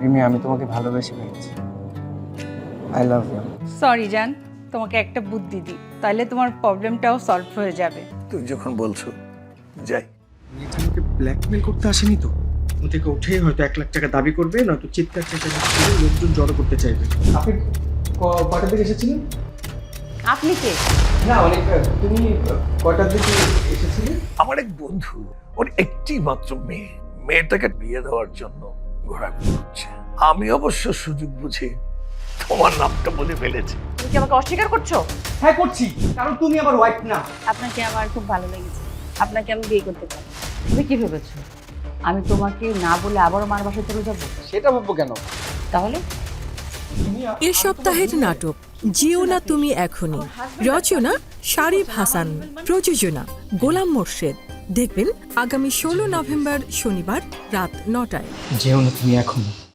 রিমি, আমি তোমাকে ভালোবেসে ফেলেছি। I love you. সরি জান, তোমাকে একটা বুদ্ধি দিই, তাহলে তোমার প্রবলেমটাও সলভ হয়ে যাবে। তুই যখন বলছো যাই। মেয়েটা আমাকে ব্ল্যাকমেল করতে আসেনি তো? ও থেকে উঠে হয়তো 1,00,000 টাকা দাবি করবে, নয়তো চিৎকার চেঁচামেচি করে লোকজন জড়ো করতে চাইবে। আপনি কটার দিকে এসেছিলেন? আপনি কে? না অনেক, তুমি কটার দিকে এসেছিলে? আমার এক বন্ধু, ওর একটি মাত্র মেয়েটাকে বিয়ে দেওয়ার জন্য ঘোরাঘুরি করছে। আমি অবশ্য সুযোগ বুঝে তোমার নামটা বলে ফেলেছি। তুমি কি আমাকে অস্বীকার করছো? হ্যাঁ করছি, কারণ তুমি আমার ওয়াইফ না। আপনাকে আমার খুব ভালো লেগেছে, আপনাকে আমি বিয়ে করতে চাই। তুমি কি ভেবেছো আমি তোমাকে না বলে আবারও মার বাসায় চলে যাবো? সেটা ভাববো কেন? তাহলে এ সপ্তাহের নাটক জিও না তুমি এখনই। রচনা শারিফ হাসান, প্রযোজনা গোলাম মোর্শেদ। দেখবেন আগামী 16 নভেম্বর শনিবার রাত 9টায়। যেও না তুমি এখন।